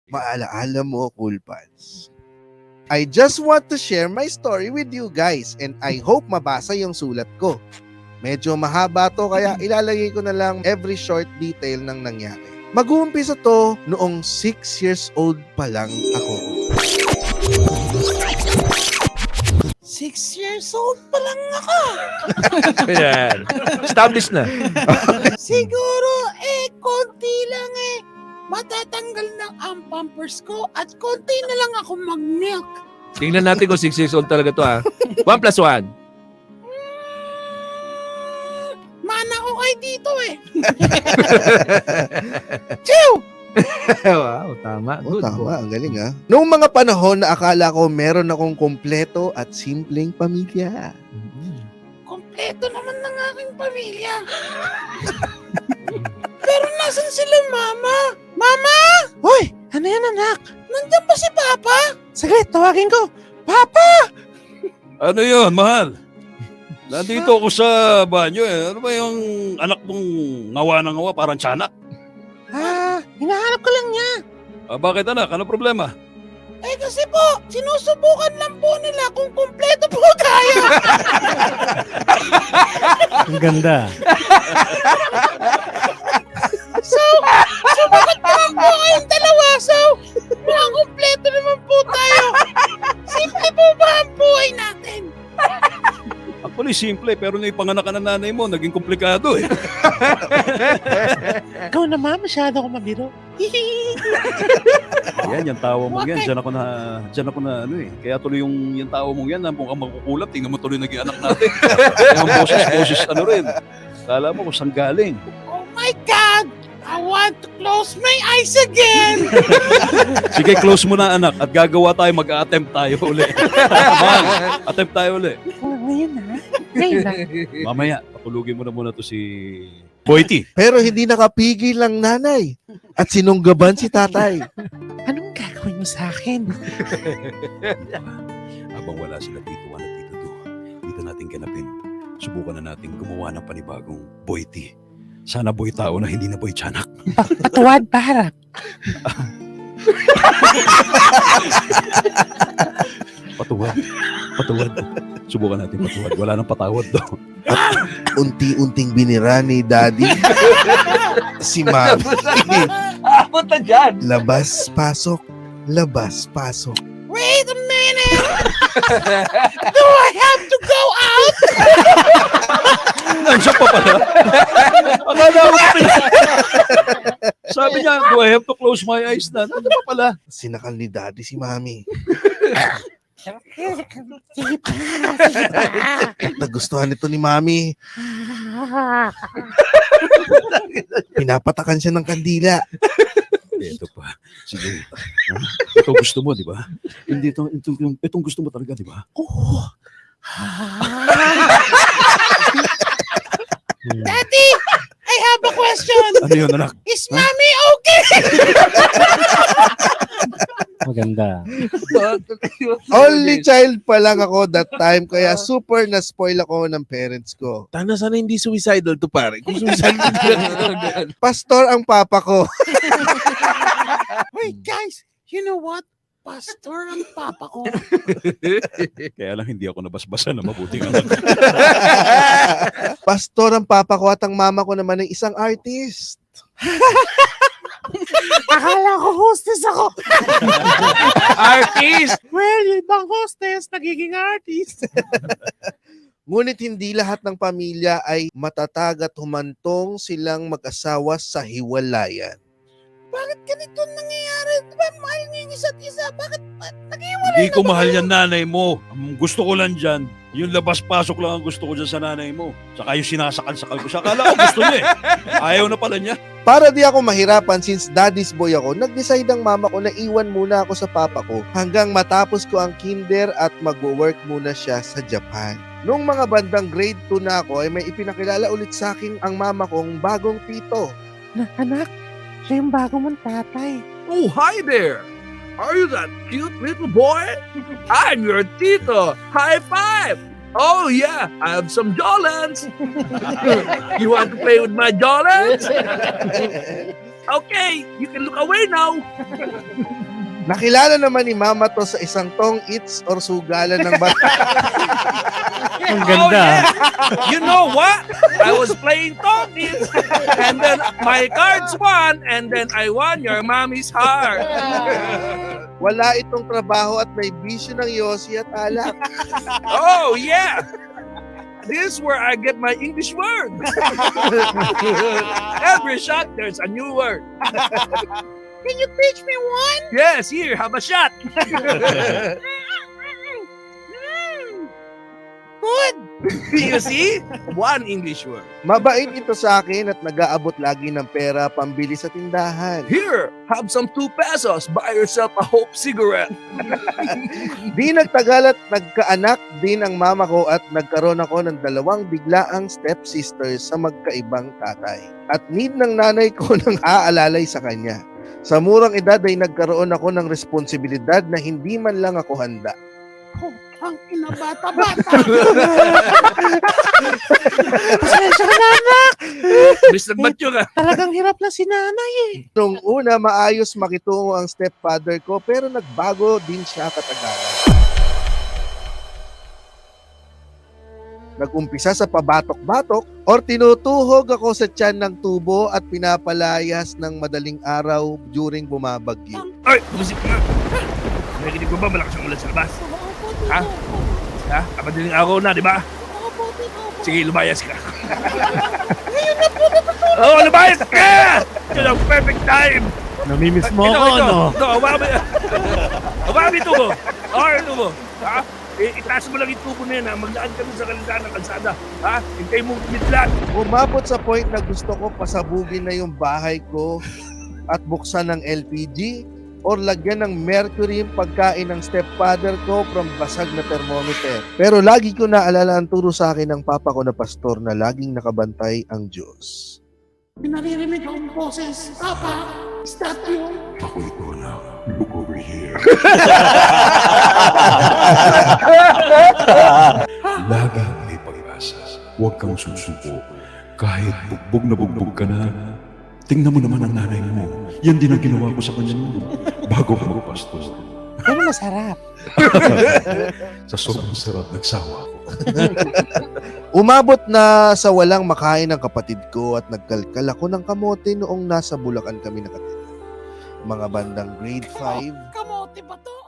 Maalaala mo, Cool Pals. I just want to share my story with you guys and I hope mabasa yung sulat ko. Medyo mahaba to kaya ilalagay ko na lang every short detail ng nangyari. Mag-uumpisa to noong 6 years old pa lang ako. 6 years old pa lang ako. Ayan. Established na. Siguro, konti lang matatanggal na ang pampers ko at konti na lang ako mag-milk. Tingnan natin kung 6 years old talaga to ha. 1 plus 1. Mana ko kayo dito Chew! Wow, tama. Oh, Good. tama, ang galing ha. Noong mga panahon na akala ko meron akong kompleto at simpleng pamilya. Kompleto naman ng aking pamilya. Pero nasan sila, Mama? Mama! Hoy! Ano yan, anak? Nandiyan ba si Papa? Saglit, tawagin ko. Papa! Ano yun, mahal? Nandito ako sa banyo Ano ba yung anak mong ngawa na ngawa, parang tiyanak? Hinahanap ko lang niya. Bakit anak? Ano problema? Kasi po, sinusubukan lang po nila kung kumpleto po tayo. Ang ganda. So, bakit naman po kayong dalawa? So, mukhang kumpleto naman po tayo. Simple po ba ang buhay natin? Actually, simple, pero nung ipanganak ka ng nanay mo, naging komplikado Ikaw naman, masyado ako mabiro. Ayan, yung tawa mo yan, dyan ako na Kaya tuloy yung tawa mo yan, mukhang makukulap, tingnan mo tuloy naging anak natin. Kaya ang boses rin. Kala mo kung saan galing. Oh my God! I want to close my eyes again! Sige, close mo na anak, at gagawa tayo, mag-attempt tayo uli. Attempt tayo uli. Ngayon na. Mamaya, patulugin mo na muna to si Boyti. Pero hindi nakapigil lang nanay at sinunggaban si tatay. Anong gagawin mo sa akin? Habang wala sila Tito Juan at Tito Do, dito natin ganapin. Subukan na natin gumawa ng panibagong Boyti. Sana boy tao na hindi na boy tiyanak. Patuwad, Barak. Patuwad. Subukan natin patuwad. Wala nang patawad daw. Unti-unting binira ni Daddy si Mami. Punta dyan. Labas, pasok. Labas, pasok. Wait a minute! Do I have to go out? Nandiyan pa pala. Akala ko sabi niya, do I have to close my eyes na? Nandiyan pa pala. Sinakal ni Daddy si Mami. Sige pa. Nagustuhan ito ni Mami. Pinapatakan siya ng kandila. Ito pa. Sige. Ito gusto mo, di ba? Hindi itong gusto mo talaga, di ba? Oh. Daddy, I have a question. Ano yun, anak? Is Mommy okay? Maganda. Only child pa lang ako that time, kaya super na-spoil ako ng parents ko. Tana sana hindi suicidal to pare. Kung suicidal Pastor ang papa ko. Wait, guys, you know what? Pastor ang papa ko. Kaya lang hindi ako nabasbasa na mabuting anak. Pastor ang papa ko at ang mama ko naman ay isang artist. Akala ko hostess ako. Artist! Well, yung ibang hostess, nagiging artist. Ngunit hindi lahat ng pamilya ay matatag at humantong silang mag-asawa sa hiwalayan. Bakit ganito nangyayari? Diba mahal niyo yung isa't isa? Bakit nag-iwalay Hindi ko na ba mahal kayo? yan nanay mo. Ang gusto ko lang dyan, yung labas-pasok lang ang gusto ko dyan sa nanay mo. Saka yung sinasakal-sakal ko siya. Akala ko gusto niya Ayaw na pala niya. Para di ako mahirapan since daddy's boy ako, nag-decide ang mama ko na iwan muna ako sa papa ko hanggang matapos ko ang kinder at mag-work muna siya sa Japan. Noong mga bandang grade 2 na ako ay may ipinakilala ulit sa akin ang mama kong bagong tito. Anak, siya yung bago mong tatay. Oh, hi there! Are you that cute little boy? I'm your Tito! High five! Oh yeah, I have some Jolens! You want to play with my Jolens? Okay, you can look away now. Nakilala naman ni Mama to sa isang tong eats or sugalan ng bata. Ang Oh, ganda. yeah. You know what? I was playing Tokis, and then my cards won, and then I won your mommy's heart. Wala itong trabaho at may bisyo ng yosi at alak. Oh, yeah. This is where I get my English word. Every shot, there's a new word. Can you teach me one? Yes, here, have a shot. Good. You see? One English word. Mabait ito sa akin at nag-aabot lagi ng pera pambili sa tindahan. Here, have some 2 pesos. Buy yourself a Hope cigarette. Di nagtagal at nagkaanak din ang mama ko at nagkaroon ako ng 2 biglaang stepsisters sa magkaibang tatay. At need ng nanay ko ng aalalay sa kanya. Sa murang edad ay nagkaroon ako ng responsibilidad na hindi man lang ako handa. Ang ina bata-bata. Pasensya ka na, anak. Miss nagbatyo ka. Talagang hirap na si nanay eh. Nung una, maayos makitungo ang stepfather ko pero nagbago din siya katagalan. Nag-umpisa sa pabatok-batok or tinutuhog ako sa tiyan ng tubo at pinapalayas ng madaling araw during bumabagyo. Ay, bumisip ka nga. Nakikinig ko ba malakas ang ulan sa labas? Ha? Ha? Kapadaling araw na, di ba? Sige, lumayas ka. Oo, lumayas ka! Ito ang perfect time! Namimiss mo ako, ito, no? ito, hawakan mo yung tubo. Hawakan yung tubo. Ha? Itaas mo lang yung tubo na yan, ha? Maglaan ka sa kalsada ng kalsada. Ha? Hintay mong kumidlat. Umabot sa point na gusto ko pasabugin na yung bahay ko at buksan ng LPG or lagyan ng mercury yung pagkain ng stepfather ko from basag na thermometer. Pero lagi ko naalala ang turo sa akin ng papa ko na pastor na laging nakabantay ang Diyos. Pinaririnig akong boses. Papa, is that you? Ako ito na. Look over here. Laging may pag-asa. Huwag kang susuko. Kahit bugbog na bugbog ka na, tingnan mo naman ang nanay mo. Yan din ang ginawa ko sa kanya noon. Bago ka magpastor. Pero masarap. Sa sobrang sarap, nagsawa ako. Umabot na sa walang makain ng kapatid ko at nagkalkal ako ng kamote noong nasa Bulacan kami nakatira. Mga bandang grade 5. Kamote ba to?